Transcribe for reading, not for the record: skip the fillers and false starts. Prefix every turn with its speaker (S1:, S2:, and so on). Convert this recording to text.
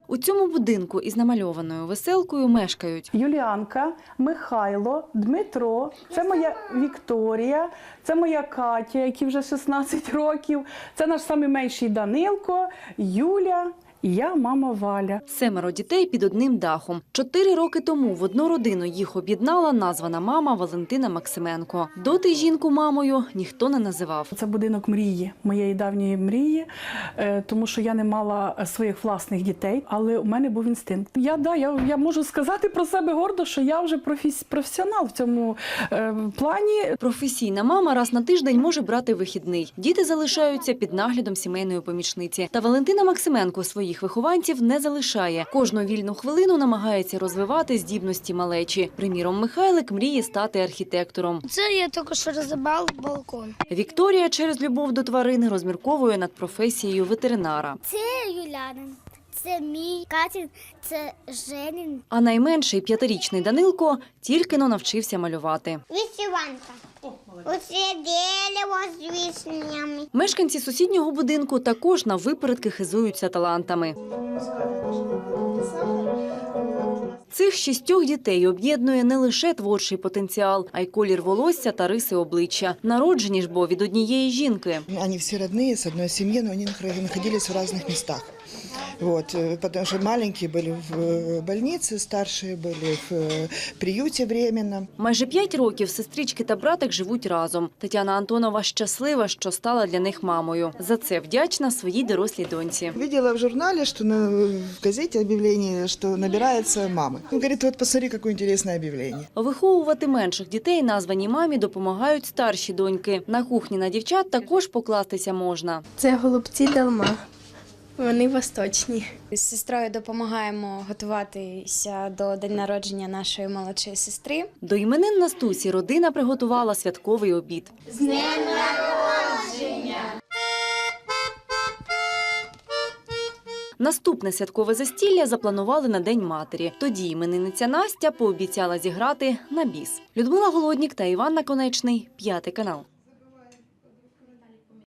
S1: У цьому будинку із намальованою веселкою мешкають
S2: Юліанка, Михайло, Дмитро, це моя Вікторія, це моя Катя, якій вже 16 років, це наш найменший Данилко, Юля і я, мама Валя.
S1: 7 дітей під одним дахом. 4 роки тому в одну родину їх об'єднала названа мама Валентина Максименко. Доти жінку мамою ніхто не називав.
S2: Це будинок мрії, моєї давньої мрії, тому що я не мала своїх власних дітей, але у мене був інстинкт. Я можу сказати про себе гордо, що я вже професіонал в цьому плані.
S1: Професійна мама раз на тиждень може брати вихідний. Діти залишаються під наглядом сімейної помічниці. Та Валентина Максименко своїх вихованців не залишає. Кожну вільну хвилину намагається розвивати здібності малечі. Приміром, Михайлик мріє стати архітектором.
S3: Це я тільки що розібрав балкон.
S1: Вікторія через любов до тварин розмірковує над професією ветеринара.
S3: Це Юлянин, це мій, Катя, це Женін.
S1: А найменший 5-річний Данилко тільки-но навчився малювати.
S3: Вишиванка. Оце дерево з вишнями.
S1: Мешканці сусіднього будинку також на випередки хизуються талантами. Цих 6 дітей об'єднує не лише творчий потенціал, а й колір волосся та риси обличчя. Народжені ж бо від однієї жінки.
S4: Они все родные, с одной семьи, но они находились в разных местах. Вот, потому что маленькие были в больнице, старшие были в приюте временном.
S1: Майже 5 років сестрички та братик живуть разом. Тетяна Антонова щаслива, що стала для них мамою. За це вдячна своїй дорослій доньці.
S4: Видела в журнале, что в газете объявление, что набирается мамы. Он говорит, вот посмотри, какое интересное объявление.
S1: Виховувати менших дітей названій мамі допомагають старші доньки. На кухні на дівчат також покластися можна.
S5: Це голубці долма. Вони восточні.
S6: З сестрою допомагаємо готуватися до день народження нашої молодшої сестри.
S1: До іменин Настусі родина приготувала святковий обід.
S5: З днем народження!
S1: Наступне святкове застілля запланували на День матері. Тоді іменинниця Настя пообіцяла зіграти на біс. Людмила Голоднік та Іван Наконечний, 5 канал.